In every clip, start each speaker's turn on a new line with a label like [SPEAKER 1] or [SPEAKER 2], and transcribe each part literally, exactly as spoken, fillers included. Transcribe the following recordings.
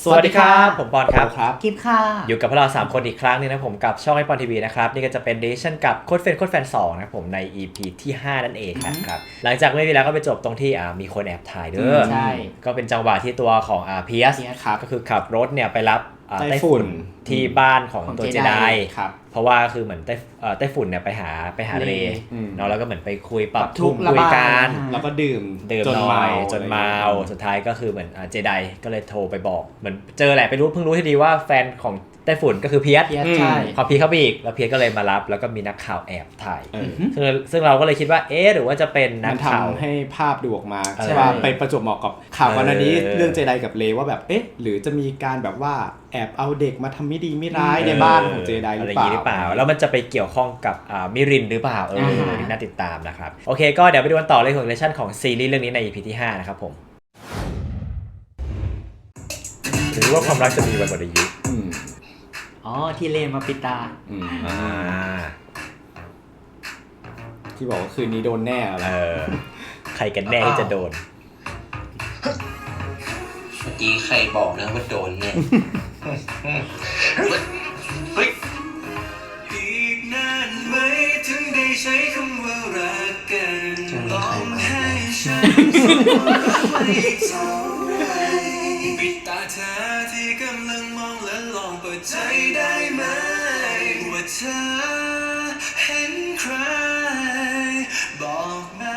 [SPEAKER 1] สวัสดีครับผมปอนครับ
[SPEAKER 2] ครับกิฟค่ะ
[SPEAKER 1] อยู่กับพวกเราสามคนอีกครั้งนึงนะผมกับช่องไอปอนทีวีนะครับนี่ก็จะเป็นเดชั่นกับโค้ดเฟนโค้ดแฟนสองนะผมใน อี พี ที่ห้านั่นเองครับหลังจากไม่มีแล้วก็ไปจบตรงที่อ่ามีคนแอบถ่ายเด้อ
[SPEAKER 2] ใช่
[SPEAKER 1] ก็เป็นจังหวะที่ตัวของอ่าเพียสก็คือขับรถเนี่ยไปรับ
[SPEAKER 3] ไต้ฝุ่น
[SPEAKER 1] ที่บ้านของตัวเจได
[SPEAKER 3] ครับ
[SPEAKER 1] เพราะว่าคือเหมือนไต้ไต้ฝุ่นเนี่ยไปหาไปหาเรเนาะแล้วก็เหมือนไปคุยปรับทุกข์คุยกัน
[SPEAKER 3] แล้วก็ดื่ม
[SPEAKER 1] ดื่มจนเมาจนเมาสุดท้ายก็คือเหมือนเจไดก็เลยโทรไปบอกเหมือนเจอแหละไปรู้เพิ่งรู้ที่ดีว่าแฟนของไต้ฝุ่นก็คือเพียส
[SPEAKER 2] ใช่
[SPEAKER 1] พอเพียสเข้าไปอีกแล้วเพียสก็เลยมารับแล้วก็มีนักข่าวแอบถ่ายซึ่งซึ่งเราก็เลยคิดว่าเอ๊ะหรือว่าจะเป็นนักข่าว
[SPEAKER 3] ให้ภาพดูออกมาใช่ป่ะไปประจวบเหมาะกับข่าววันนี้เรื่องเจไดกับเลว่าแบบเอ๊ะหรือจะมีการแบบว่าแอบเอาเด็กมาทำไม่ดีไม่ร้ายในบ้านของเจไดหรือเปล่า
[SPEAKER 1] หรือเปล่าแล้วมันจะไปเกี่ยวข้องกับมิรินหรือเปล่าเออนี่น่าติดตามนะครับโอเคก็เดี๋ยวไปดูกันต่อเลยของเรชั่นของซีรีส์เรื่องนี้ใน อี พี ที่ห้านะครับผมหรือว่าความรักจะมีวันหมดอายุ
[SPEAKER 2] อ๋อที่เลนมาปิดตา
[SPEAKER 1] อ่า
[SPEAKER 3] ที่บอกว่าคืนนี้โดนแน่อะไร
[SPEAKER 1] ใครกันแน่ที่จะโดน
[SPEAKER 4] เมื่อกี้ใครบอกนะว่าโดนเนี่ยเฮ้ยอีกนานไหมถึงได้ใช้คำว่ารักกันต้องให้ฉันไม่จำปิดตาเธอที่กำลังมองและลองเปิดใจได้ไหมว่าเธอเห็นใครบอกมา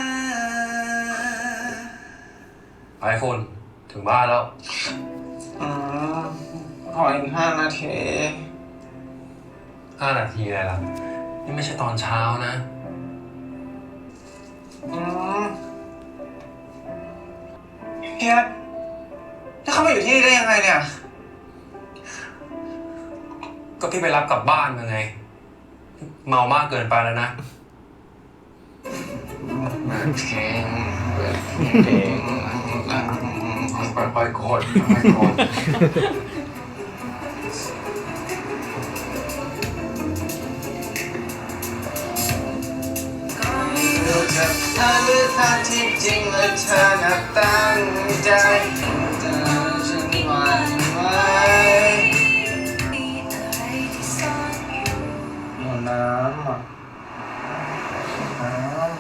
[SPEAKER 4] ไอคุณถึงบ้านแล้วอ๋อขออีกห้านาทีห้านาทีอะไรล่ะนี่ไม่ใช่ตอนเช้านะอืมเฮียแล้วเขามาอยู่ที่นี่ได้ยังไงเนี่ยก็พี่ไปรับกลับบ้านมาไงเมามากเกินไปแล้วนะเก่งเก่งค่อยๆกดค่อยๆกดรู้จักเธอหรือเธอที่จริงและเธอน่ะตั้งใจแต่ฉันหวั่นไหวเอาน้ำอ่ะน้ำ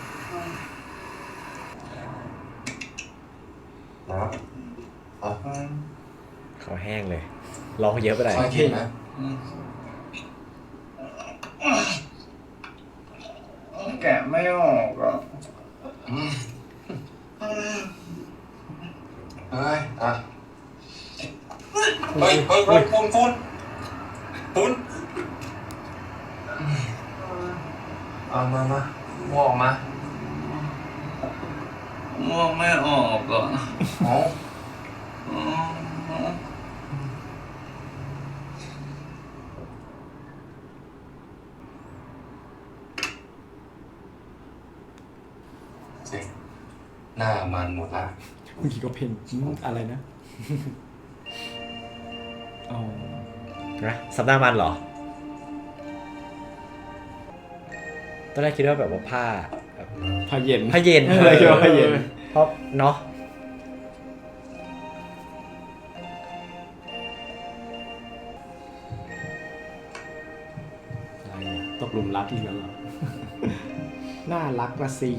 [SPEAKER 4] น้ำอ๋อ
[SPEAKER 1] เขาแห้งเลยร้องเยอะไปหน่อย
[SPEAKER 4] โอเคนะแกะไม่ออกอ่ะเฮ้ยอ่ะเฮ้ยเฮ้ยเฮ้ยคุณคุณคุณเอามามาม่วงมาม่วงไม่ออกอ่ะโอ้หน้ามันหมดละ
[SPEAKER 3] เมื่อกี้ก็เพลงอะไรนะอ๋อ
[SPEAKER 1] นะสัปดาห์มันเหรอตอนแรกคิดว่าแบบว่าผ้า
[SPEAKER 3] ผ้าเย็น
[SPEAKER 1] ผ้าเย็น
[SPEAKER 3] อะไรคิดว่าผ้าเย็น
[SPEAKER 1] เพราะเนาะ
[SPEAKER 3] ตกหลุมรักอีกแล้วเหรอน่ารักละสิ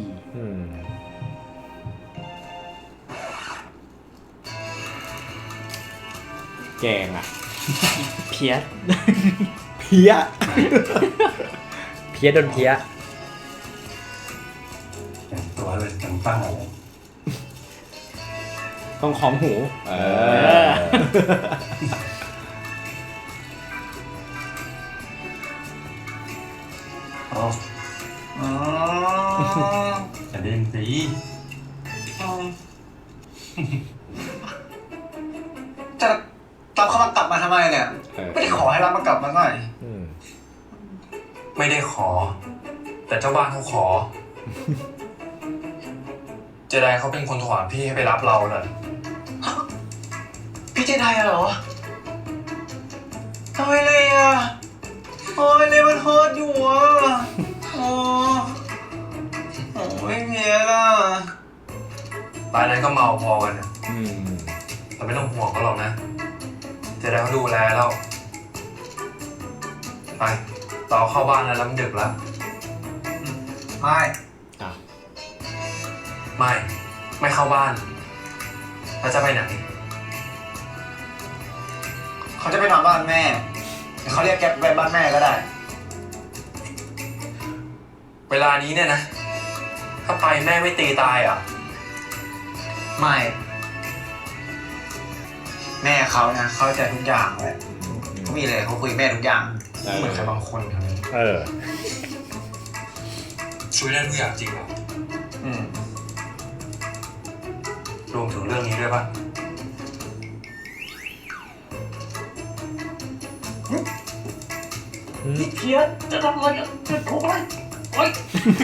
[SPEAKER 3] แกงอ่ะ
[SPEAKER 2] เพี้ย
[SPEAKER 3] เพี้ย
[SPEAKER 1] เพี้ยโดนเพี้ย
[SPEAKER 4] แต่งตัวเลยจังป้าเลย
[SPEAKER 3] ต้องของหูเออ
[SPEAKER 4] อ๋ออ๋อจะเล่นสิจะตามเขามากลับมาทำไมเนี่ยไม่ได้ขอให้รับมากลับมาหน่อยไม่ได้ขอแต่เจ้าบ้านเขาขอเจไดเขาเป็นคนโทรหาพี่ให้ไปรับเราเลยพี่เจไดเหรอทำไมเลยอ่ะโอ้ยเลยมันโทษอยู่อ่ะโอ้โอ้ไม่เพี้ยล่ะตายนั้นก็เมาพอกันนะไปเราไม่ต้องห่วงเขาหรอกนะเจไดเขาดูแลเราไปต่อเข้าบ้านแล้วแล้วมันดึกแล้วไม่
[SPEAKER 3] อ่ะ
[SPEAKER 4] ไม่ ไม่เข้าบ้านแล้วจะไปไหน
[SPEAKER 5] เขาจะไปนอนบ้านแม่เดี๋ยวเขาเรียกแก๊ปไปบ้านแม่ก็ได้
[SPEAKER 4] เวลานี้เนี่ยนะ ถ้าไปแม่ไม่ตีตายอ่ะ
[SPEAKER 5] ไม่ แม่เขานะเข้าใจทุกอย่างเลยเขามีเลยเขาคุยกับแม่ทุกอย่าง
[SPEAKER 4] เหมือนใครบางคนครับ
[SPEAKER 1] เออ
[SPEAKER 4] ช่วยได้ทุกอย่างจริงเหรอ
[SPEAKER 5] อืม
[SPEAKER 4] รวมถึงเรื่องนี้ด้วยป่ะ
[SPEAKER 5] เพี้ยนจะทำอะไรอ่ะจะทุบอะไรโอ๊ย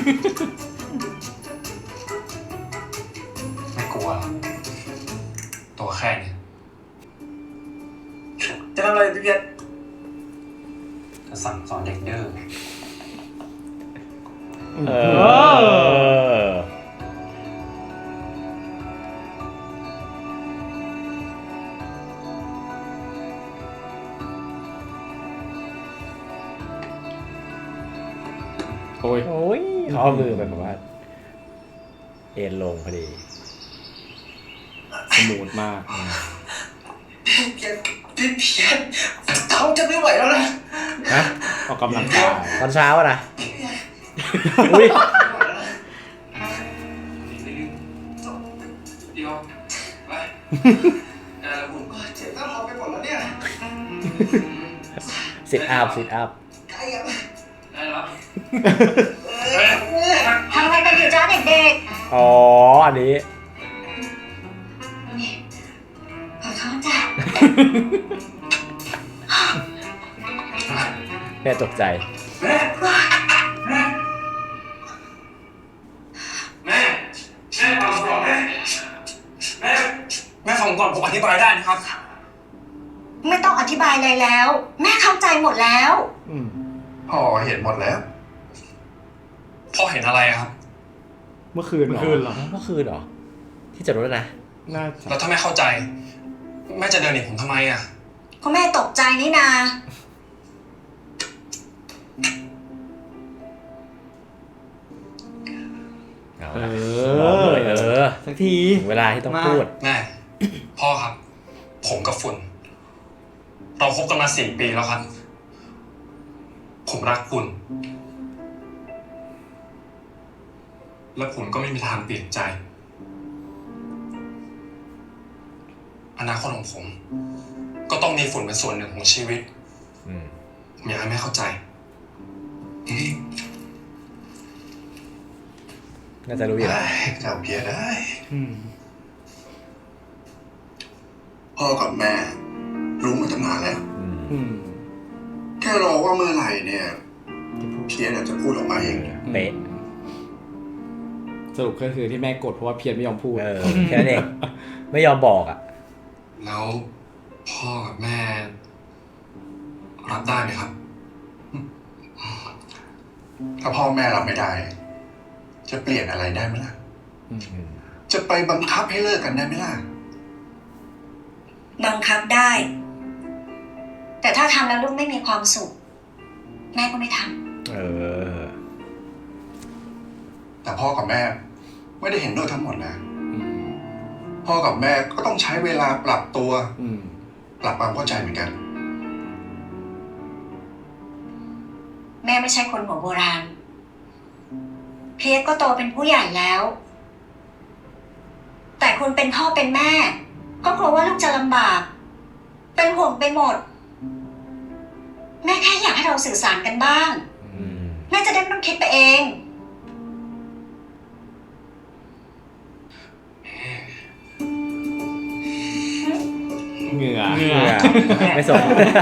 [SPEAKER 4] ไม่กลัวหรอกตัวแค่เนี้
[SPEAKER 5] จะทำอะไรพี่เพี้ยน
[SPEAKER 4] จะสั่งสอนเด็กดื้อ
[SPEAKER 1] เออ
[SPEAKER 3] โอ้ย
[SPEAKER 1] โอ้ยเขาเอามือไปแบบว่า เอ็นลงพอดี
[SPEAKER 3] สมูทมาก
[SPEAKER 5] พี่เพี้ยนพี่เพี้ยนเขาจะไม่ไหวแล้วนะ
[SPEAKER 1] ฮะ
[SPEAKER 3] ออกกำลังกาย
[SPEAKER 1] ตอนเช้าอะนะ อุ้ย
[SPEAKER 4] เดี๋ยวไปได้แล้วคุณ
[SPEAKER 5] เจ็บหน้าท้องไปหมดแล้วเนี่ย
[SPEAKER 1] สิทอัพสิทอัพ
[SPEAKER 5] ใครอ่ะ
[SPEAKER 4] ได้แล้ว
[SPEAKER 6] ทำอะไรกันอยู่จ้าเด็ก
[SPEAKER 1] อ๋อ อันนี้
[SPEAKER 6] ๆ ขอโทษจ้ะ
[SPEAKER 1] แม่ตกใจ
[SPEAKER 4] แม่แม่แม่ฟังก่อนแม่แม่แม่ฟังก่อนผมอธิบายได้นะครับ
[SPEAKER 6] ไม่ต้องอธิบายอะไรแล้ว แม่เข้าใจหมดแล้ว
[SPEAKER 3] อืม
[SPEAKER 4] พ่อเห็นหมดแล้ว พ่อเห็นอะไรอะครับ
[SPEAKER 3] เมื่อคืน
[SPEAKER 2] เมื่อคืนเหรอ
[SPEAKER 1] เมื่อคืนเหรอ ที่จอดรถนะ
[SPEAKER 3] น่าจะ
[SPEAKER 4] แล้วถ้าแม่เข้าใจ แม่จะเดินหนีผมทำไมอะ
[SPEAKER 6] ก็แม่ตกใจนี่นา
[SPEAKER 1] เอา
[SPEAKER 3] เอ
[SPEAKER 1] ละบอก
[SPEAKER 3] อ
[SPEAKER 1] เลยเออ
[SPEAKER 2] สักที
[SPEAKER 1] ถึงเวลาที่ต้อง
[SPEAKER 2] มา
[SPEAKER 1] พูด
[SPEAKER 4] แม่ พ่อครับ ผมกับฝุ่น เราคบกันมาสี่ปีแล้วครับ ผมรักคุณ และผมก็ไม่มีทางเปลี่ยนใจ อนาคตของผม ก็ต้องมีฝุ่นเป็นส่วนหนึ่งของชีวิต
[SPEAKER 1] อืม
[SPEAKER 4] ผมอยากให้แม่เข้าใจอืม
[SPEAKER 1] น่าจะรู้อยู่แล้ว
[SPEAKER 7] จำเพียได้
[SPEAKER 2] อืม
[SPEAKER 7] พ่อกับแม่ รู้มาตั้งนานแล้ว
[SPEAKER 1] อืม
[SPEAKER 3] อืม
[SPEAKER 7] แค่รอว่าเมื่อไหร่เนี่ย เพียเนี่ยจะพูดออกมาเอง
[SPEAKER 1] เป๊ะ
[SPEAKER 3] สรุปก็คือที่แม่กดเพราะว่าเพียรไม่ยอมพูด
[SPEAKER 1] เออ แค่นั้นเอง ไม่ยอมบอกอ่ะ
[SPEAKER 4] แล้วพ่อกับแม่ รับได้ไหมครับ
[SPEAKER 7] ถ้าพ่อแม่รับไม่ได้ จะเปลี่ยนอะไรได้ไหมล่ะ
[SPEAKER 1] อืม
[SPEAKER 7] จะไปบังคับให้เลิกกันได้ไหมล่ะ
[SPEAKER 6] บังคับได้ แต่ถ้าทำแล้วลูกไม่มีความสุข แม่ก็ไม่ท
[SPEAKER 1] เออ
[SPEAKER 7] แต่พ่อกับแม่ไม่ได้เห็นด้วยทั้งหมดนะ
[SPEAKER 3] อืม
[SPEAKER 7] พ่อกับแม่ก็ต้องใช้เวลาปรับตัว
[SPEAKER 3] อืม
[SPEAKER 7] ปรับความเข้าใจเหมือนกัน
[SPEAKER 6] ำ แม่ไม่ใช่คนหัวโบราณ เพียรก็โตเป็นผู้ใหญ่แล้ว แต่คุณเป็นพ่อเป็นแม่ ก็กลัวว่าลูกจะลำบาก เป็นห่วงไปหมด แม่แค่อยากให้เราสื่อสารกันบ้าง
[SPEAKER 1] อืม
[SPEAKER 6] แม่จะได้ไม่ต้องคิดไปเอง
[SPEAKER 3] เหงื่อ
[SPEAKER 2] เหงื่อ
[SPEAKER 1] ไม่สน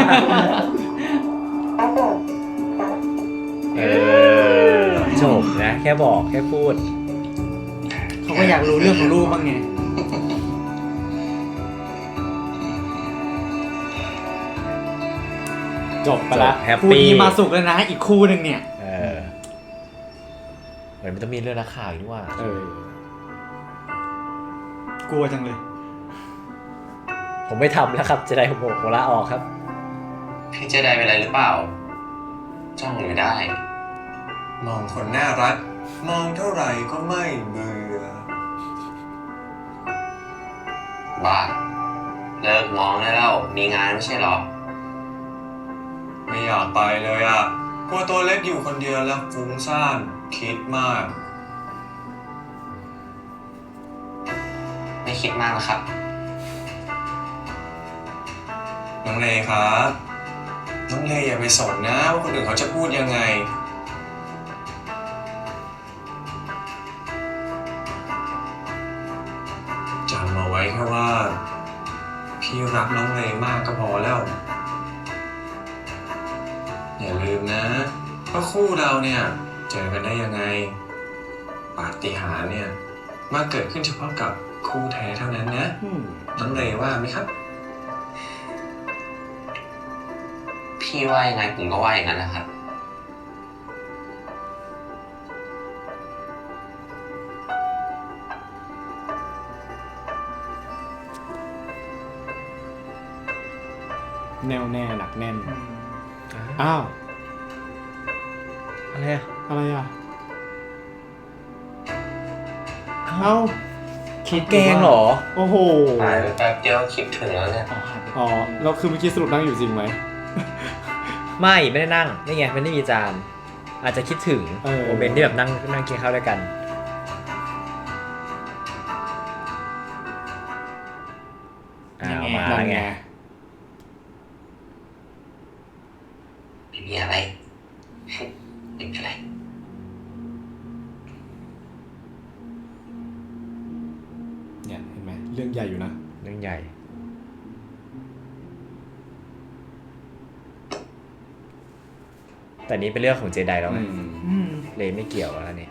[SPEAKER 1] เออจบนะ แค่บอกแค่พูด
[SPEAKER 2] เขาก็อยากรู้เรื่องของลูกบ้างไง
[SPEAKER 3] จบไปละ
[SPEAKER 1] แฮป
[SPEAKER 2] คู่
[SPEAKER 1] ปี้
[SPEAKER 2] นี้มาสุกแล้วนะ อีกคู่หนึ่งเนี่ย
[SPEAKER 1] เออเหมือนมันต้องมีเรื่องนักข่าวอีกด้วย
[SPEAKER 3] เออ
[SPEAKER 2] กลัวจังเลย
[SPEAKER 1] ผมไม่ทำแล้วครับเจไดผมโหลาออกครับ
[SPEAKER 8] พี่เจไดเป็นอะไรหรือเปล่า จ้องอยู่ได้
[SPEAKER 4] มองคนน่ารัก มองเท่าไหร่ก็ไม่เบื่อ
[SPEAKER 8] บ้า เลิกมองได้แล้ว มีงานไม่ใช่เหรอ
[SPEAKER 4] ไม่อยากไปเลยอ่ะกลัวตัวเล็กอยู่คนเดียวแล้วฟุ้งซ่านคิดมาก
[SPEAKER 8] ไม่คิดมากนะครับ
[SPEAKER 4] น้องเลครับ น้องเลอย่าไปสนนะว่าคนอื่นเขาจะพูดยังไง จำเอาไว้แค่ว่า พี่รักน้องเลมากก็พอแล้ว อย่าลืมนะว่าคู่เราเนี่ย เจอกันได้ยังไง ปาฏิหาริย์เนี่ยมาเกิดขึ้นเฉพาะกับคู่แท้เท่านั้นนะ
[SPEAKER 3] อืม
[SPEAKER 4] น้องเลว่าไหมครับ
[SPEAKER 8] พี่ว่ายังไงผมก็ว่าอย่างนั้นนะครับ
[SPEAKER 3] แน่วแน่หนักแน่น อ้าว
[SPEAKER 1] อะไรอะ
[SPEAKER 3] อะไรอ่ะ เอ้า
[SPEAKER 1] คิดแกงเหรอ
[SPEAKER 3] โอ้โห
[SPEAKER 8] หายไปแป๊บเดียวคิดถึงแล้วเนี่ย
[SPEAKER 2] อ๋อหายไป
[SPEAKER 3] อ๋อเราคือเมื่อกี้สรุปนั่งอยู่จริงไหม
[SPEAKER 1] ไม่ไม่ได้นั่งนี่ไงมันไม่มีจานอาจจะคิดถึง
[SPEAKER 3] เออ
[SPEAKER 1] โมเมนต์ที่แบบนั่งนั่งกินข้าวด้วยกันอ้าวมา
[SPEAKER 3] นั่น
[SPEAKER 1] แล้ว
[SPEAKER 3] ไง
[SPEAKER 1] ไง
[SPEAKER 8] ไม่มีอะไร ไม่เป็นไร
[SPEAKER 3] เนี่ยเห็นไหมเรื่องใหญ่อยู่นะ
[SPEAKER 1] เรื่องใหญ่แต่นี้เป็นเรื่องของเจไดแล้วไง
[SPEAKER 3] อืม
[SPEAKER 2] อืม
[SPEAKER 1] เลยไม่เกี่ยวแล้วนี่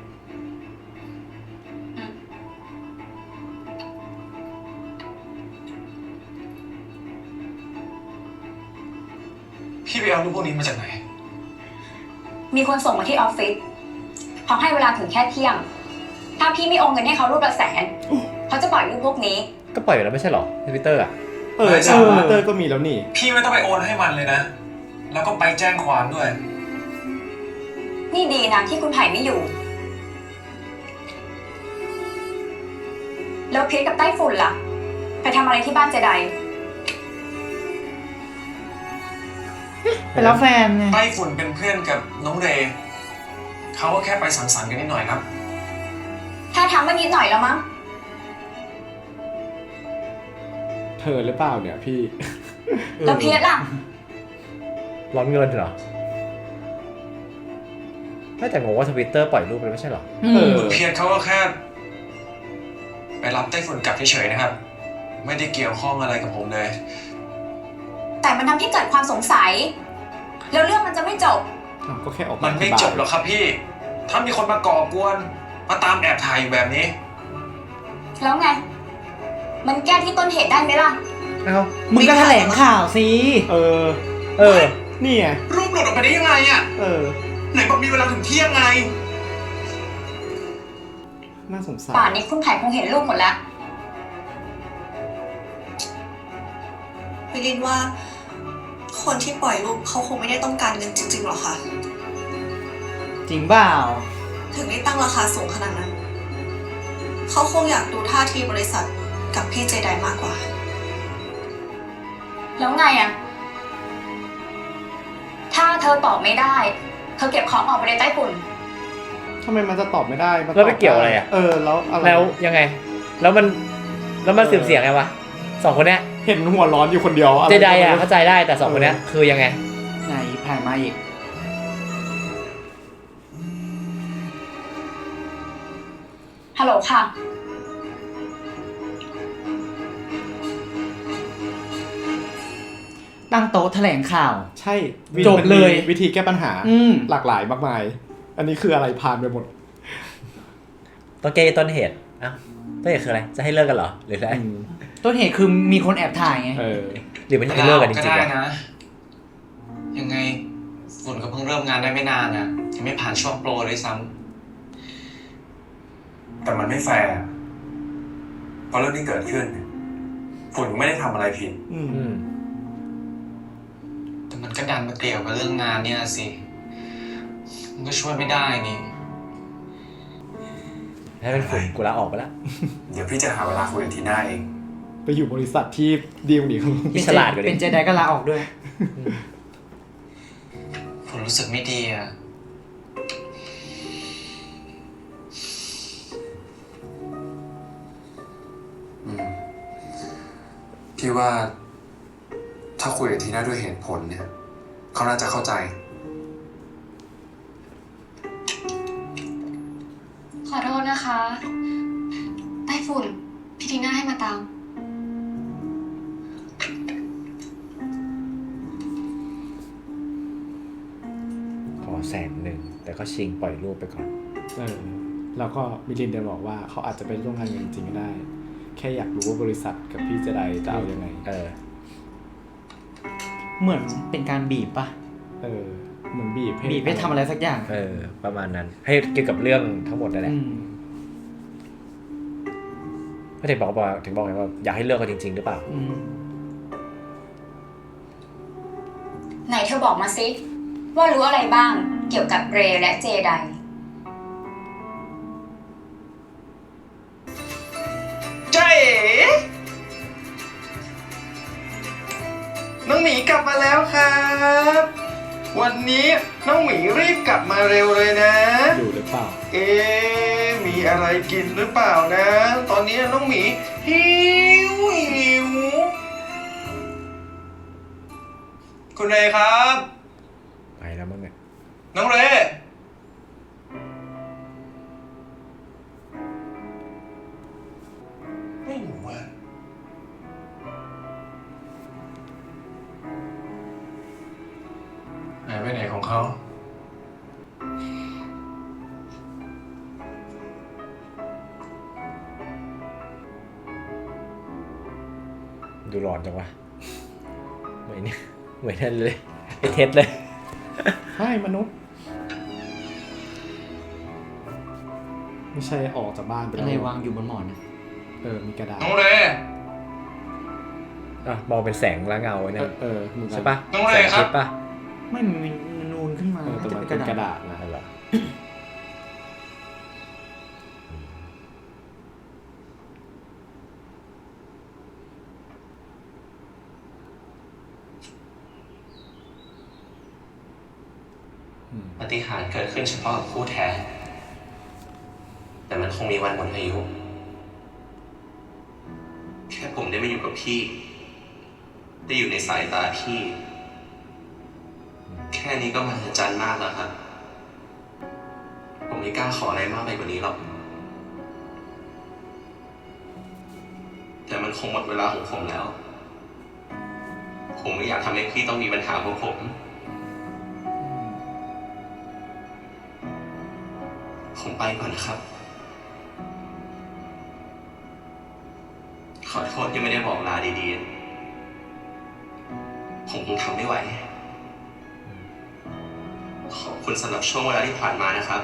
[SPEAKER 4] พี่ไปเอารูปพวกนี้มาจากไหน
[SPEAKER 6] มีคนส่งมาที่ออฟฟิศเขาให้เวลาถึงแค่เที่ยง ถ้าพี่ไม่โอนเงินให้เขารูปละแสนเขาจะปล่อยรูปพวกนี้
[SPEAKER 1] ก็ปล่อยไปแล้วไม่ใช่หรอทวิตเตอร์อ่ะ
[SPEAKER 3] เออ
[SPEAKER 4] ไม่ใช่
[SPEAKER 3] ทวิตเตอร์ก็มีแล้วนี่
[SPEAKER 4] พี่ไม่ต้องไปโอนให้มันเลยนะ แล้วก็ไปแจ้งความด้วย
[SPEAKER 6] นี่ดีนะที่คุณไผ่ไม่อยู่ แล้วพีทกับไต้ฝุ่นล่ะ ไปทำอะไรที่บ้านเจได
[SPEAKER 2] ไปรับแฟนไง
[SPEAKER 4] ไต้ฝุ่นเป็นเพื่อนกับน้องเรย์เขาก็แค่ไปสังสรรค์กันนิดหน่อยครับ
[SPEAKER 6] ถ้าทำมานิดหน่อยแล้วมั้ง
[SPEAKER 3] เธอหรือเปล่าเนี่ยพี่
[SPEAKER 6] แล้วพีทล่ะ
[SPEAKER 1] ร้อนเงินเหรอไม่แต่งงว่าทวิตเตอร์ปล่อยรูปไปแล้วไม่ใช่หรอ
[SPEAKER 2] อื
[SPEAKER 3] เอ
[SPEAKER 2] ม
[SPEAKER 3] อ
[SPEAKER 4] เพียรเขาก็แค่ ไปรับไต้ฝุ่นกลับเฉยๆนะครับ ไม่ได้เกี่ยวข้องอะไรกับผมเลย
[SPEAKER 6] แต่มันทำให้เกิดความสงสัย แล้วเรื่องมันจะไม่จบ
[SPEAKER 3] อ้าวก็แค่ออก
[SPEAKER 4] มัน
[SPEAKER 3] อ
[SPEAKER 4] ไม่
[SPEAKER 3] ธิบาย
[SPEAKER 4] จบหรอกครับพี่ ถ้ามีคนมาก่อกวน มาตามแอบถ่ายอยู่แบบนี้
[SPEAKER 6] แล้วไง มันแก้ที่ต้นเหตุได้ไหมล่ะ
[SPEAKER 1] เอ้า
[SPEAKER 2] มึงก็แถลงข่าวสิ
[SPEAKER 3] เออ
[SPEAKER 1] เออ
[SPEAKER 3] นี่ไง
[SPEAKER 4] รูปหลุดออกไปได้ยังไงอะ
[SPEAKER 3] เออ
[SPEAKER 4] ไหนบอกมีเวลาถึงเที่ยงไง
[SPEAKER 3] น่าสงสาร
[SPEAKER 6] ป่านนี้คุณไผ่คงเห็นรูปหมดแล้ว
[SPEAKER 9] วิลินว่า คนที่ปล่อยรูปเขาคงไม่ได้ต้องการเงินจริงๆหรอกค่ะ
[SPEAKER 2] จริงเปล่า
[SPEAKER 9] ถึงได้ตั้งราคาสูงขนาดนั้น เขาคงอยากดูท่าทีบริษัทกับพี่เจไดมากกว่า
[SPEAKER 6] แล้วไงอะถ้าเธอตอบไม่ได้ เธอเก็บของออกไปในใต้ฝุ่น
[SPEAKER 3] ทำไมมันจะตอบไม่ได้มัน
[SPEAKER 1] แล้วไป
[SPEAKER 3] ตบ
[SPEAKER 1] เกี่ยวอะไรอะ
[SPEAKER 3] เออ แล้วอะไร
[SPEAKER 1] แล้วยังไง แล้วมันแล้วมันสืบเสียงไงวะสองคนเนี้ย
[SPEAKER 3] เห็นหัวร้อนอยู่คนเดียวะร
[SPEAKER 1] เจได
[SPEAKER 3] ก็ม่
[SPEAKER 1] อ่ะ
[SPEAKER 3] รู้
[SPEAKER 1] เข้าใจได้แต่สองคนเนี้ยคือยังไง
[SPEAKER 2] ไหนผ่านมาอีก
[SPEAKER 6] ฮัลโหลค่ะ
[SPEAKER 2] ตั้งโต๊ะแถลงข่าว
[SPEAKER 3] ใช่วิ
[SPEAKER 2] จบเลย
[SPEAKER 3] มันมีวิธีแก้ปัญหา
[SPEAKER 2] อืม
[SPEAKER 3] หลากหลายมากมาย อันนี้คืออะไรผ่านไปหมด
[SPEAKER 1] ต้องแก้ต้นเหตุอ้าวต้นเหตุคืออะไรจะให้เลิกกันเหรอหรืออะไร
[SPEAKER 3] อืม
[SPEAKER 2] ต้นเหตุคือมีคนแอบถ่ายไง
[SPEAKER 3] เออ
[SPEAKER 1] หรือมันจะให้เลิกกันจริงๆ
[SPEAKER 8] ก็ได้
[SPEAKER 1] วะ
[SPEAKER 8] นะ ยังไงฝุ่นก็เพิ่งเริ่มงานได้ไม่นานนะยังไม่ผ่านช่วงโปรเลยซ้
[SPEAKER 4] แต่มันไม่แฟร์เพราะเรื่องที่เกิดขึ้นฝุ่นไม่ได้ทำอะไรผิด
[SPEAKER 3] อืม
[SPEAKER 1] อืม
[SPEAKER 8] แต่มันก็ดันมาเกี่ยวกับเรื่องงานเนี่ยสิ มันก็ช่วยไม่ได้นี่
[SPEAKER 1] ให้เป็นฝุ่นกูลาออกไปแล้ว
[SPEAKER 4] เดี๋ยวพี่จะหาเวลาคุยกับทีน่าเอง
[SPEAKER 3] ไปอยู่บริษัทที่ดีลหนีเขา
[SPEAKER 1] ที่ฉลาดกว่านี้
[SPEAKER 2] เป็นเจไดก็ลาออกด้วย
[SPEAKER 8] ผมรู้สึกไม่ดีอะ
[SPEAKER 4] อืมพี่ว่า ถ้าคุยกับทีน่าด้วยเหตุผลเนี่ย เขาน่าจะเข้าใจ
[SPEAKER 10] ขอโทษนะคะไต้ฝุ่นพี่ทีน่าให้มาตาม
[SPEAKER 1] ขอแสนหนึ่งแต่ก็ชิงปล่อยรูปไปก่อน
[SPEAKER 3] เออแล้วก็มิลินเดนบอกว่าเขาอาจจะไปร่วมงานกันจริงๆก็ได้ แค่อยากรู้ว่าบริษัทกับพี่เจไดจะเอายังไง
[SPEAKER 1] เออ
[SPEAKER 2] เหมือนเป็นการบีบปะ
[SPEAKER 3] เออเหมือนบีบให้
[SPEAKER 2] บีบให้ทำอะไรสักอย่าง
[SPEAKER 1] เออ ประมาณนั้น ให้เกี่ยวกับเรื่องทั้งหมดนั่นแหละ
[SPEAKER 2] อืม
[SPEAKER 1] ก็ถึงบอกว่าถึงบอกไงว่าอยากให้เลิกกันจริง ๆ หรือเปล่า
[SPEAKER 2] อืม
[SPEAKER 6] ไหนเธอบอกมาสิว่ารู้อะไรบ้างเกี่ยวกับเรย์และเจได
[SPEAKER 8] เจ๊น้องหมีกลับมาแล้วครับ วันนี้น้องหมีรีบกลับมาเร็วเลยนะ
[SPEAKER 3] อยู่หรือเปล่า
[SPEAKER 8] เอ๊ะมีอะไรกินหรือเปล่านะ ตอนนี้น้องหมีหิวหิวคุณเรครับ
[SPEAKER 1] ไปแล้วมั้งเนี่ย
[SPEAKER 8] น้องเรไม่รู้ว่าหายไปไหนของเขา
[SPEAKER 1] ดูร้อนจังวะเหมือนเนี่ยเหมือนนั่นเลยไอเท็ดเลย
[SPEAKER 3] ใช่มนุษย์ ไม่ใช่ออกจากบ้านไป
[SPEAKER 2] อะ
[SPEAKER 3] แล้ว
[SPEAKER 2] ไรวางอยู่บนหมอนนะ
[SPEAKER 3] เออมีกระดาษ
[SPEAKER 8] น้องเร
[SPEAKER 1] อ่ะมองเป็นแสงและเงาไว้
[SPEAKER 3] เอ
[SPEAKER 1] นั่น
[SPEAKER 3] อเออเหมือนกัน
[SPEAKER 1] ใช่ปะ
[SPEAKER 8] น้องเร
[SPEAKER 1] แสง
[SPEAKER 8] ครับ
[SPEAKER 1] ทิพย์ปะ
[SPEAKER 2] ไม่มันมีนูนขึ้นมา
[SPEAKER 3] เออแต่
[SPEAKER 2] จะ
[SPEAKER 3] มัน
[SPEAKER 2] เป็นก
[SPEAKER 3] เป็นก
[SPEAKER 2] ระ
[SPEAKER 3] ระ
[SPEAKER 2] ดาษ
[SPEAKER 3] ดาษนะ
[SPEAKER 1] นั่นแหละ
[SPEAKER 11] ปาฏิหาริย์เกิดขึ้นเฉพาะกับคู่แท้ แต่มันคงมีวันหมดอายุ แค่ผมได้มาอยู่กับพี่ ได้อยู่ในสายตาพี่ แค่นี้ก็มหัศจรรย์มากแล้วครับ ผมไม่กล้าขออะไรมากไปกว่านี้หรอก แต่มันคงหมดเวลาของผมแล้ว ผมไม่อยากทำให้พี่ต้องมีปัญหาเพราะผม ผมไปก่อนนะครับ ขอโทษที่ไม่ได้บอกลาดีๆ ผมคงทำไม่ไหว ขอบคุณสำหรับช่วงเวลาที่ผ่านมานะครับ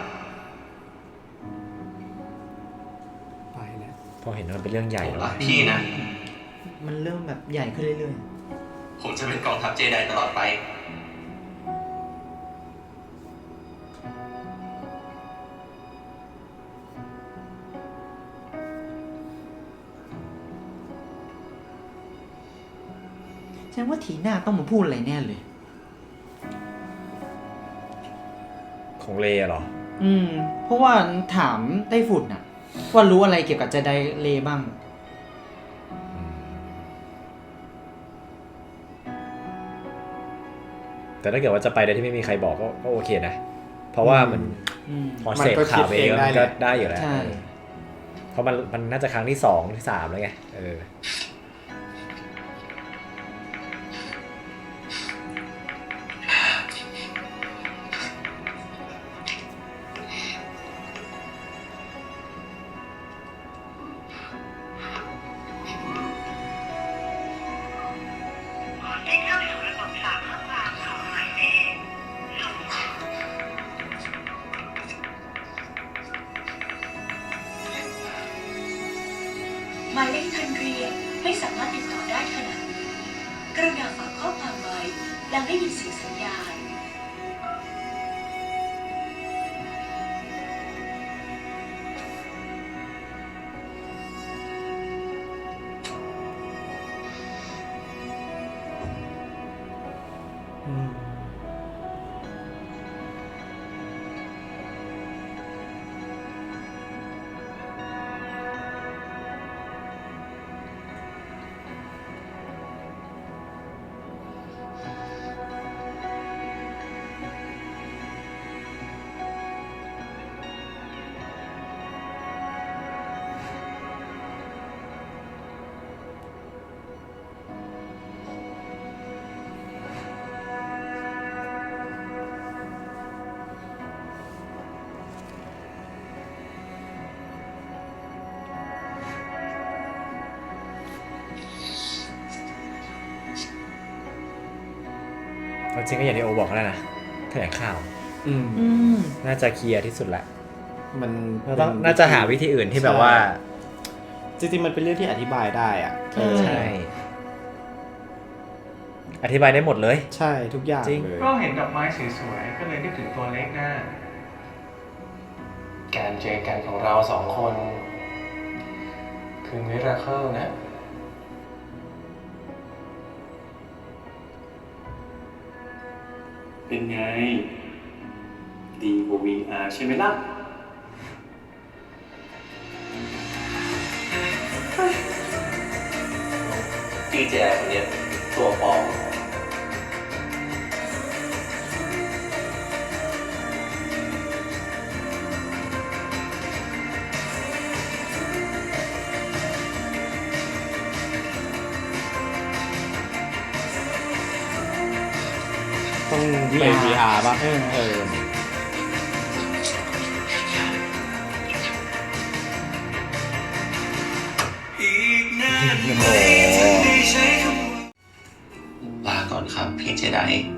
[SPEAKER 3] ไปแล้ว
[SPEAKER 1] พอเห็นว่ามันเป็นเรื่องใหญ่
[SPEAKER 11] ผม
[SPEAKER 1] แล้ว
[SPEAKER 11] รักพี่นะ
[SPEAKER 2] มันเริ่มแบบใหญ่ขึ้นเรื่อย
[SPEAKER 11] ผมจะเป็นกองทัพเจไดตลอดไป
[SPEAKER 2] ๆแสดงว่าทีหน้าต้องมาพูดอะไรแน่เลย
[SPEAKER 1] ของเลเหรอ
[SPEAKER 2] อืม เพราะว่าถามไต้ฝุ่นน่ะ ว่ารู้อะไรเกี่ยวกับเจไดเลบ้าง
[SPEAKER 1] แต่ถ้าเกิดว่าจะไปโดยที่ไม่มีใครบอกก็ก็โอเคนะ เพราะว่ามัน
[SPEAKER 2] อืม
[SPEAKER 1] พอเสพข่าวไปเยอะมันก็ได้อยู่แล้ว
[SPEAKER 2] ใช่
[SPEAKER 1] เออเพราะมันมันน่าจะครั้งที่สองที่สามแล้วไงเออ
[SPEAKER 9] หมายเลขทันเรียน
[SPEAKER 6] ไม่สามารถติดต่อได้ขณะนี้กรุณาฝากข้อความไว้หลังได้ยินเสียงสัญญาณ
[SPEAKER 1] จริงก็อย่างที่โอบอกแล้วนะแถลงข่าว
[SPEAKER 3] อืม
[SPEAKER 2] อืม
[SPEAKER 1] น่าจะเคลียร์ที่สุดแหละ
[SPEAKER 3] มัน
[SPEAKER 1] เราต้องน่าจะหาวิธีอื่นที่แบบว่า
[SPEAKER 3] จริงๆมันเป็นเรื่องที่อธิบายได้อ่ะ
[SPEAKER 2] ใช่
[SPEAKER 1] ใช่อธิบายได้หมดเลย
[SPEAKER 3] ใช่ทุกอย่าง
[SPEAKER 1] จริง
[SPEAKER 3] เลย
[SPEAKER 8] ก็เห็นดอกไม้สวยๆก็เลยนึกถึงตัวเล็กหน้าการเจอกันของเราสองคน คือมิราเคิลนะเป็นไง ดีกว่า วี อาร์ ใช่ไหมล่ะ
[SPEAKER 11] พี่แจคนเนี้ยตัวปลอม
[SPEAKER 3] ต้องไป วี อาร์ ป่ะ
[SPEAKER 2] เออ
[SPEAKER 3] เออ
[SPEAKER 4] อีกนานไหมถึงได้ใช้คำว่า
[SPEAKER 11] ลาก่อนครับพี่เจได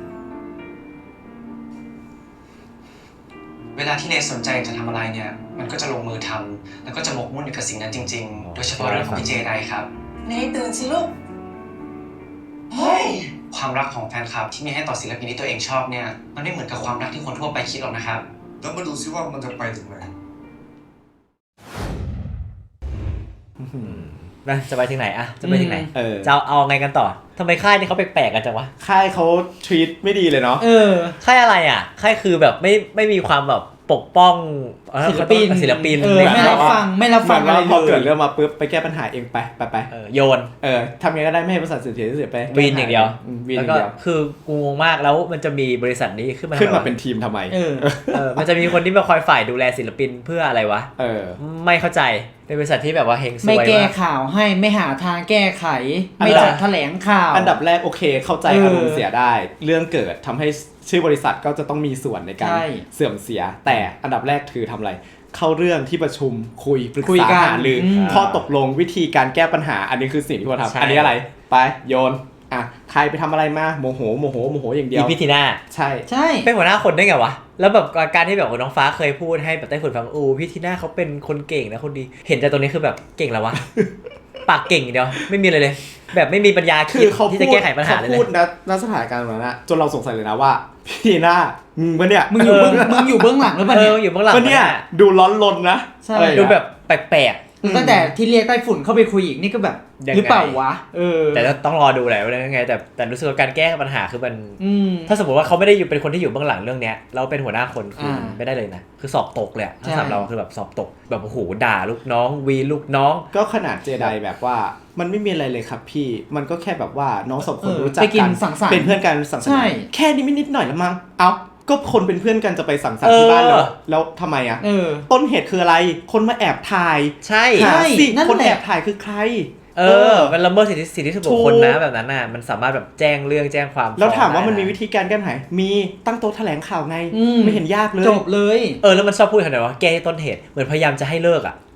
[SPEAKER 12] เวลาที่เนสสนใจจะทำอะไรเนี่ย มันก็จะลงมือทำแล้วก็จะหมกมุ่นอยู่กับสิ่งนั้นจริงๆ โดยเฉพาะเรื่องของพี่เจไดครับ
[SPEAKER 9] เนตื่นสิลูก เฮ้ย
[SPEAKER 12] ความรักของแฟนคลับที่มีให้ต่อศิลปินที่ตัวเองชอบเนี่ย มันไม่เหมือนกับความรักที่คนทั่วไปคิดหรอกนะครับ
[SPEAKER 7] แล้วมาดูซิว่ามันจะไปถึงไหน
[SPEAKER 1] นะจะไปถึงไหนอะจะไปถึงไหน
[SPEAKER 3] เออ
[SPEAKER 1] จะเอาเอาไงกันต่อทำไมค่ายนี่เขาแปลกๆกันจังวะ
[SPEAKER 3] ค่ายเขาทรีตไม่ดีเลยเนาะ
[SPEAKER 2] เออ
[SPEAKER 1] ค่ายอะไรอ่ะค่ายคือแบบไม่ไม่มีความแบบปกป้อง
[SPEAKER 2] ศิลปิน
[SPEAKER 1] ศิลปิน
[SPEAKER 2] เออไม่รับฟังไม่รับฟัง
[SPEAKER 3] เหมือน
[SPEAKER 2] อะไร
[SPEAKER 3] ว่าพอ
[SPEAKER 2] เล
[SPEAKER 3] เกิด
[SPEAKER 2] ย
[SPEAKER 3] เรื่องมาปุ๊บไปแก้ปัญหาเองไปไปไป
[SPEAKER 1] เออโยน
[SPEAKER 3] เออทำยังไงก็ได้ไม่ให้บริษัทเสียเสียเสียไป
[SPEAKER 1] วีนอย่างเดียว
[SPEAKER 3] อืมวีนอ
[SPEAKER 1] แล้ว
[SPEAKER 3] ย่าง
[SPEAKER 1] ก็
[SPEAKER 3] เดียว
[SPEAKER 1] คือกูงงมากแล้วมันจะมีบริษัทนี้ขึ้นมา
[SPEAKER 3] ขึ้นมา
[SPEAKER 1] ทำไวะ
[SPEAKER 3] เป็นทีมทำไม
[SPEAKER 2] เออ
[SPEAKER 1] เออมันจะมีคนที่มาคอยฝ่ายดูแลศิลปินเพื่ออะไรวะ
[SPEAKER 3] เออ
[SPEAKER 1] ไม่เข้าใจเป็นบริษัทที่แบบว่าเฮงซวย
[SPEAKER 2] ไม่แก้
[SPEAKER 1] มาก
[SPEAKER 2] ข่าวให้ไม่หาทางแก้ไข
[SPEAKER 3] อัน
[SPEAKER 2] ไม่
[SPEAKER 3] ดับ
[SPEAKER 2] จัดแถลงข่าว
[SPEAKER 3] อันดับแรกโอเคเข้าใจ
[SPEAKER 2] เอออ
[SPEAKER 3] อารมณ์เสียได้ เรื่องเกิดทำให้ชื่อบริษัทก็จะต้องมีส่วนในการ
[SPEAKER 2] ใช่
[SPEAKER 3] เสื่อมเสีย แต่อันดับแรกคือทำอะไร เข้าเรื่องที่ประชุมคุยปรึก
[SPEAKER 2] คุย
[SPEAKER 3] ษา
[SPEAKER 2] กัน
[SPEAKER 3] หารืออ
[SPEAKER 2] ม
[SPEAKER 3] ข้อตกลงวิธีการแก้ปัญหา อันนี้คือสิ่งที่ควรทำอันนี้อะไรไปโยนอ่ะใครไปทำอะไรมาโมโหโมโหโมโหอย่างเดีย
[SPEAKER 1] อี
[SPEAKER 3] ว
[SPEAKER 1] พิธีหน้า
[SPEAKER 3] ใช่
[SPEAKER 2] ใช่
[SPEAKER 1] เป็นหัวหน้าคนได้ไงวะแล้วแบบการที่แบบน้องฟ้าเคยพูดให้แบบไต้ฝุ่นฟังอูพี่ทีน่าเขาเป็นคนเก่งนะคนดีเห็นจากตรงนี้คือแบบเก่งแล้ววะ ปากเก่งอย่างเดียวไม่มีอะไรเลย แบบไม่มีปัญญา
[SPEAKER 3] คื
[SPEAKER 1] คิด
[SPEAKER 3] อเขา
[SPEAKER 1] ที่
[SPEAKER 3] พู
[SPEAKER 1] จะ
[SPEAKER 3] ด
[SPEAKER 1] แก้ไขปัญหาเลย
[SPEAKER 3] เขา
[SPEAKER 1] เล
[SPEAKER 3] พูด
[SPEAKER 1] ย
[SPEAKER 3] นะณสถานการณ์แบบนั้นนะจนเราสงสัยเลยนะว่าพี่หน้ามึงปะเนี่ย
[SPEAKER 2] มึงอยู่เบื้องมึงอยู่เบื้องหลังหรือเปล่า
[SPEAKER 1] เอ
[SPEAKER 2] เนี่
[SPEAKER 1] อย อยู่เบื้องหลัง
[SPEAKER 3] ปะเนี่ยดูร้อนรนนะ
[SPEAKER 2] ใช่
[SPEAKER 3] อะไรอย่าง
[SPEAKER 1] ดู
[SPEAKER 3] เงี้ย
[SPEAKER 1] แบบแปลก
[SPEAKER 2] ตั้งแต่ที่เรียกไต้ฝุ่นเข้าไปคุยอีกนี่ก็แบบ
[SPEAKER 1] ยังไง
[SPEAKER 2] หรือเปล่าวะเออ
[SPEAKER 1] ๆแต่ต้องรอดูแหละว่ายังไงแต่แต่รู้สึกว่าการแก้ปัญหาคือมัน
[SPEAKER 2] อืม
[SPEAKER 1] ถ้าสมมติว่าเขาไม่ได้อยู่เป็นคนที่อยู่เบื้องหลังเรื่องเนี้ยเราเป็นหัวหน้าคนคืออา ไม่ได้เลยนะคือสอบตกเลยอะถ้า
[SPEAKER 2] ใช่
[SPEAKER 1] สำหรับเราคือแบบสอบตกแบบโอ้โหด่าลูกน้องวีลูกน้อง
[SPEAKER 3] ก็ขนาดเจไดแบบว่ามันไม่มีอะไรเลยครับพี่มันก็แค่แบบว่าน้องสองคน
[SPEAKER 2] เออ
[SPEAKER 3] รู้จัก
[SPEAKER 2] ไปกิ
[SPEAKER 3] กัน น
[SPEAKER 2] สังสรรค์
[SPEAKER 3] เป็นเพื่อนกันสังสรร
[SPEAKER 2] ใช่
[SPEAKER 3] ค์แค่นี้ไม่นิดหน่อยละมั้งเอ้าก็คนเป็นเพื่อนกันจะไปสังสรรค์ที่บ้านแล้ว
[SPEAKER 1] เออ
[SPEAKER 3] แล้วทำไมอ่ะ
[SPEAKER 2] เออ
[SPEAKER 3] ต้นเหตุคืออะไรคนมาแอบถ่าย
[SPEAKER 1] ใช่
[SPEAKER 2] ใช่
[SPEAKER 3] หาสิ
[SPEAKER 2] นั่นแหละ
[SPEAKER 3] คนแอบถ่ายคือใคร
[SPEAKER 1] เออมันละเมิดสิทธิสิทธิส่วนบุคคลนะแบบนั้นน่ะมันสามารถแบบแจ้งเรื่องแจ้งความ
[SPEAKER 3] แล้วถามว่า
[SPEAKER 1] ฟ้อง
[SPEAKER 3] มัน
[SPEAKER 1] ได้ะ
[SPEAKER 3] มีวิธีการแก้ปัญหามีตั้งโต๊ะแถลงข่าวไง
[SPEAKER 2] อืม
[SPEAKER 3] ไม่เห็นยากเลย
[SPEAKER 2] จบเลย
[SPEAKER 1] เออแล้วมันชอบพูดขนาดว่าแก้ที่ต้นเหตุเหมือนพยายามจะให้เลิกอ่ะ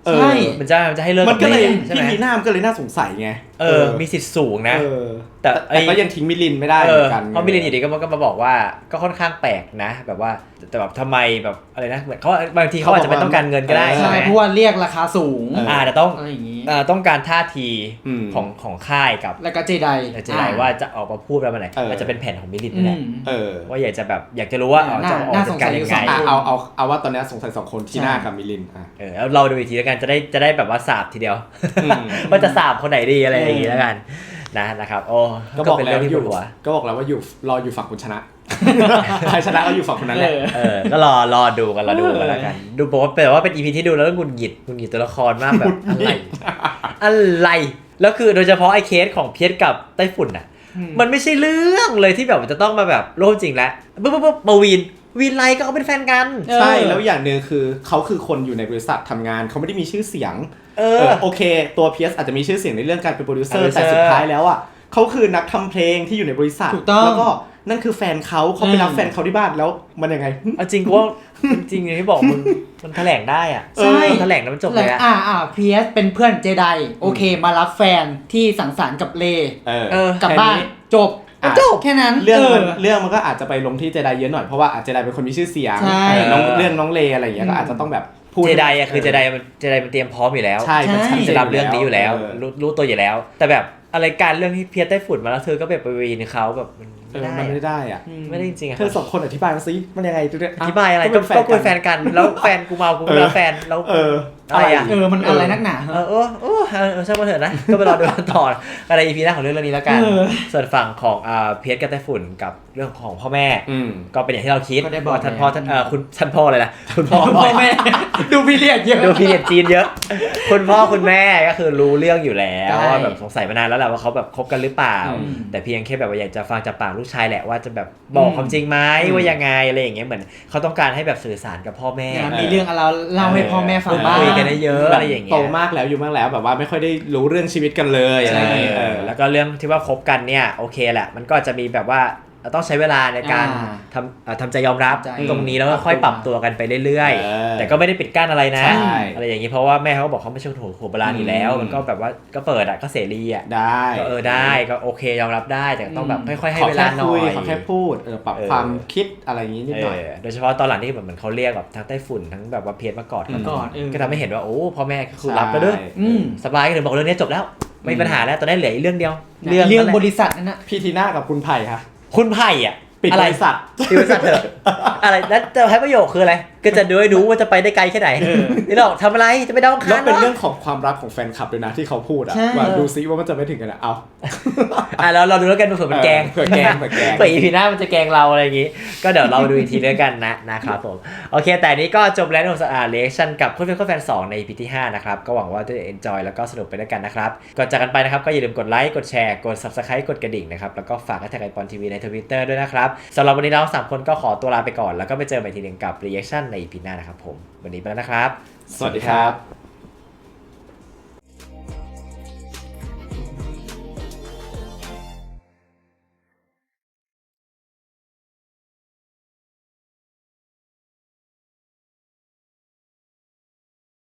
[SPEAKER 3] เออ
[SPEAKER 2] ใช่
[SPEAKER 1] มันจะมันจะให้เลิก
[SPEAKER 3] มันก็เลย
[SPEAKER 1] ใช่ไหม
[SPEAKER 3] พี่ลีน่ามันก็เลยน่าสงสัยไง
[SPEAKER 1] เออมีสิทธิ์สูงนะ
[SPEAKER 3] เออ
[SPEAKER 1] แต่
[SPEAKER 3] แต่
[SPEAKER 1] ไอ้
[SPEAKER 3] แต่ก็ยังทิ้งมิลินไม่ได้เห
[SPEAKER 1] เอ
[SPEAKER 3] มื
[SPEAKER 1] อ
[SPEAKER 3] อนกัน
[SPEAKER 1] เพราะมิลินอยู่ดีก็มาก็มาบอกว่าก็ค่อนข้างแปลกนะ แบบว่าแต่แบบทำไมแบบอะไรนะเหมือนเขาบางทีเขาอาจจะไม่ต้องการเงินก็ได้
[SPEAKER 2] ใช่
[SPEAKER 1] ใช่ไหม
[SPEAKER 2] เพราะว่าเรียกราคาสูง
[SPEAKER 1] อ่าแต่ต้อง
[SPEAKER 2] อะไรอย่างนี้
[SPEAKER 1] เอ่อต้องการท่าที
[SPEAKER 3] อืม
[SPEAKER 1] ของของค่ายกับ
[SPEAKER 2] แล้วก็เจได
[SPEAKER 1] เจไดว่าจะออกมาพูดแบบไหน
[SPEAKER 3] เอออ
[SPEAKER 1] อาจจะเป็นแผนของมิลิน
[SPEAKER 2] อื
[SPEAKER 1] นี่แหละ
[SPEAKER 2] ม
[SPEAKER 3] เออ
[SPEAKER 1] ว่าอยากจะแบบอยากจะรู้ว่า
[SPEAKER 2] เออ
[SPEAKER 1] เอาจะออก
[SPEAKER 2] น่า
[SPEAKER 1] จัดการ
[SPEAKER 2] สงสัย
[SPEAKER 1] ยังไง
[SPEAKER 2] อยู่สอง
[SPEAKER 3] อ่ะเอาเอาเอาว่าตอนนี้สงสัยสองคนทีน่า
[SPEAKER 2] ใช่
[SPEAKER 3] กับมิลินอ่ะ
[SPEAKER 1] เออแล้วเราดูอีกทีแล้วกันจะได้จะได้แบบว่าสาบทีเดียว
[SPEAKER 3] อืม
[SPEAKER 1] ว่าจะสาบคนไหนดีอะไรอย่างงี้แล้วกันนะนะครับโอ้
[SPEAKER 3] ก็บอก
[SPEAKER 1] เป็น
[SPEAKER 3] แล้
[SPEAKER 1] เรื่
[SPEAKER 3] ว
[SPEAKER 1] องที่
[SPEAKER 3] อ
[SPEAKER 1] ปว
[SPEAKER 3] ยู่
[SPEAKER 1] ดหัว
[SPEAKER 3] ก็บอกแล้วว่าอยู่รออยู่ฝั่งคุณชนะ ใครชนะก็อยู่ฝั่งคนนั้นแหละ
[SPEAKER 1] เออก็รอรอดูกันรอดูกันแล้วกัน ดูบอกว่าแต่ว่าเป็นอีพีที่ดูแล้วหงุดหงิดหงุดหงิดตัวละครมากแบบอะไรอะไรแล้วคือโดยเฉพาะไอ้เคสของเพียรกับไต้ฝุ่นอ่ะ มันไม่ใช่เรื่องเลยที่แบบจะต้องมาแบบโลกจริงแล้วปุ๊บปุ๊บปุ๊บมาวีนวีนไลก็เขาเป็นแฟนกัน
[SPEAKER 3] ใช่แล้วอย่างหนึ่งคือเขาคือคนอยู่ในบริษัททำงานเขาไม่ได้มีชื่อเสียง
[SPEAKER 1] เอ
[SPEAKER 3] เอ
[SPEAKER 1] อ
[SPEAKER 3] อโอเคตัวเพียสอาจจะมีชื่อเสียงในเรื่องการเป็นโปรดิวเซอร์
[SPEAKER 1] โปรดิวเซอ
[SPEAKER 3] แต่
[SPEAKER 1] ร์
[SPEAKER 3] สุดท้ายแล้วอ่ะเขาคือนักทำเพลงที่อยู่ในบริษัท
[SPEAKER 2] ถูกต้อง
[SPEAKER 3] แล้วก็นั่นคือแฟนเขาเขาไปรับ
[SPEAKER 2] อืม
[SPEAKER 3] แฟนเขาที่บ้านแล้วมันยังไง
[SPEAKER 1] เอาจริงกูว่าจริงๆอย่างที่บอกมึงมันแถลงได้อ่ะ
[SPEAKER 2] ใช่
[SPEAKER 1] มันแถลงแล้วมันจบเลยอะ
[SPEAKER 2] อ่าอ่าพีเอสเป็นเพื่อนเจไดโอเค มารับแฟนที่สังสรรค์กับเล
[SPEAKER 3] เออ
[SPEAKER 1] เออ
[SPEAKER 2] กลับบ้าน
[SPEAKER 3] แค่นี้
[SPEAKER 2] จบ
[SPEAKER 3] อ่ะ
[SPEAKER 2] จบแค่นั้น
[SPEAKER 3] เรื่องมัน
[SPEAKER 2] เออ
[SPEAKER 3] เรื่องมันก็อาจจะไปลงที่เจไดเยอะหน่อยเพราะว่าอาจเจไดเป็นคนมีชื่อเสียง
[SPEAKER 2] ใช่
[SPEAKER 3] เออน้องเรื่องน้องเลอะไรอย่างเงี้ยก็อาจจะต้องแบบพูด
[SPEAKER 1] เจไดอะคือเจไดมันเจไดมันเตรียมพร้อมอยู่แล้ว
[SPEAKER 3] ใช่มันชัดเจน
[SPEAKER 1] จะรับเรื่องนี้อยู่แล้ว
[SPEAKER 3] เออ
[SPEAKER 1] รู้รู้ตัวอยู่แล้ว แต่แบบอะไรการเรื่องที่เพียรไต้ฝุ่นมาแล้วเธอก็แบบไปวีนเขาแบบมัน
[SPEAKER 3] เอ
[SPEAKER 1] ไม่
[SPEAKER 3] อ
[SPEAKER 1] ได้
[SPEAKER 3] มันไม่ได้อ่ะ
[SPEAKER 1] ไม่ได้จริงๆอะ
[SPEAKER 3] เธอสองคนอธิบายมาสิมันยังไงดูเนี่ย
[SPEAKER 1] อธิบายอะไรก็ก็คุยแฟนกันแล้วแฟนกูเมากูไม่รับแฟนแล้ว
[SPEAKER 3] เออ
[SPEAKER 1] อะไรอะ
[SPEAKER 2] เออมันอะไรนักหนา
[SPEAKER 1] เออเออเออเออช่างมันเถอะนะ ก็ไปรอดูกันต่ออะไรอีพีหน้าของเรื่องนี้แล้วกัน
[SPEAKER 2] เออ
[SPEAKER 1] ส่วนฝั่งของอ่าเพียรกับไต้ฝุ่นกับเรื่องของพ่อแม่
[SPEAKER 3] อืม
[SPEAKER 1] ก็เป็นอย่างที่เราคิด
[SPEAKER 2] ก็ได้บอก
[SPEAKER 1] ว่าท่านพ่อท่าน
[SPEAKER 2] แล้ว
[SPEAKER 1] เออคุณท่านพ่อเลยนะคุณพ่อ
[SPEAKER 2] พ่อแม่ ดูพีเรียดเยอะ
[SPEAKER 1] ดูพีเรียดจีนเยอะ คุณพ่อคุณแม่ก็คือรู้เรื่องอยู่แล้ว
[SPEAKER 2] ใช่
[SPEAKER 1] ว่าแบบสงสัยมานานแล้วแหละว่าเขาแบบคบกันหรือเปล่า
[SPEAKER 2] อืม
[SPEAKER 1] แต่เพียงแค่แบบว่าอยากจะฟังจากปากลูกชายแหละว่าจะแบบบอกความจริงไหม
[SPEAKER 3] อืม
[SPEAKER 1] ว่ายังไงอะไรอย่างเงี้ยเหมือนเขาต้องการให้แบบสื่อสารกับพ่อแม่
[SPEAKER 2] นะมีเรื่องอะไรเล่าให้พ่อแม่ฟังบ้าง
[SPEAKER 1] คุยกันได้เยอะอะไรอย่างเงี้ย
[SPEAKER 3] โตมากแล้วอยู่มากแล้วแบบว่าไม่ค่อยได้รู้เรื่องชีวิตกันเลยอะไรอย่างเงี้ย
[SPEAKER 1] เอ
[SPEAKER 3] เอ
[SPEAKER 1] อ
[SPEAKER 3] อ
[SPEAKER 1] แล้วก็เรื่องที่ว่าคบกันเนี่ยโอเคแหละมันก็จะมีแบบว่าต้องใช้เวลาในการ
[SPEAKER 2] อ่า
[SPEAKER 1] ทำเอ่อทำใจยอมรับ
[SPEAKER 2] ใจ
[SPEAKER 1] ตรงนี้แล้วก็ค่อยปรับตัวกันไปเรื่อย
[SPEAKER 3] เออ
[SPEAKER 1] ๆ แต่ก็ไม่ได้ปิดกั้นอะไรนะ
[SPEAKER 3] ใช่
[SPEAKER 1] อะไรอย่างนี้เพราะว่าแม่เขาก็บอกเขาไม่ใช่หัวหัวโบราณอยู่แล้ว
[SPEAKER 3] อืม
[SPEAKER 1] มันก็แบบว่าก็เปิดอ่ะก็เสรีอ่ะ
[SPEAKER 3] ได้
[SPEAKER 1] ก็เออได้ก็โอเคยอมรับได้แต่ต้องแบบค่อยๆให้
[SPEAKER 3] ขอ
[SPEAKER 1] เว
[SPEAKER 3] แค่
[SPEAKER 1] ลาหน่
[SPEAKER 3] คุ
[SPEAKER 1] อย ย
[SPEAKER 3] ขอแค่พูดเออปรับ
[SPEAKER 1] เออ
[SPEAKER 3] ความคิดอะไรอย่างงี้นิดหน่อย
[SPEAKER 1] เออโดยเฉพาะตอนหลังที่แบบเหมือนเขาเรียกแบบทั้งไต้ฝุ่นทั้งแบบว่าเพียรมากอดกัน
[SPEAKER 2] กอดเออ
[SPEAKER 1] ก็ทำให้เห็นว่าโอ้พ่อแม่ก็คือรับแล้วเด้อ
[SPEAKER 3] ใช่
[SPEAKER 2] อืม
[SPEAKER 1] สบายก็ถึงบอกเรื่องนี้จบแล้วไม่มีปัญหาแล้วตอนนี้เหลืออีกเรื่องเดียว
[SPEAKER 2] เรื่อง
[SPEAKER 1] นั่นแหละ
[SPEAKER 2] บริษัทนั่นนะ
[SPEAKER 3] พี่ทีน่ากับคุณไผ่ค่ะ
[SPEAKER 1] คุณไผ่อ่ะ
[SPEAKER 3] ปิด
[SPEAKER 1] อะไร
[SPEAKER 3] บริษัท
[SPEAKER 1] ปิดบริษัทเถอะอะไรแล้วจะให้ประโยคคืออะไรก็จะดูให้รู้ว่าจะไปได้ไกลแค่ไหนนี่หรอกทำอะไรจะไปดาวอัง
[SPEAKER 3] แล้
[SPEAKER 1] คาว ร
[SPEAKER 3] เป็น
[SPEAKER 1] เหร
[SPEAKER 3] เรื่
[SPEAKER 1] อ
[SPEAKER 3] องของความรักของแฟนคลับด้วยนะที่เขาพูดอะ
[SPEAKER 2] ใช่
[SPEAKER 3] ว่าดูซิว่ามันจะไปถึงกันอะเอา
[SPEAKER 1] อ่ะแล้วเราดูแล้วกันเผื่อมันแกล้ง
[SPEAKER 3] เผื่อแกล้งเผื่อแกล้ง
[SPEAKER 1] เผื่ออีพีหน้ามันจะแกล้งเราอะไรอย่างงี้ ก็เดี๋ยวเราดูอีกทีแล้วกันนะนะครับผมโอเค แต่นี้ก็จบแล้วในสอ่าเรีแอคชั่นกับคุณเพื่อนคุณแฟนสองใน อี พี ที่ห้านะครับก็หวังว่าจะ enjoy แล้วก็สนุกไปด้วยกันนะครับก่อนจากกันไปนะครับก็อย่าลืมกดไลค์กดแชร์กด subscribe กดกระดิ่งนะครับแล้วก็ฝากแท็กไอปอนทีวีใน Twitter ด้วยนะครับสำหรับวันนี้เราสามคนก็ขอตัวลาไปก่อนแล้วก็ไปเจอกันอีกทีหนึงกับ reaction ใน อี พี หน้านะครับผมวันนี้ไปแล้วนะครับ
[SPEAKER 3] สวัสดีครับ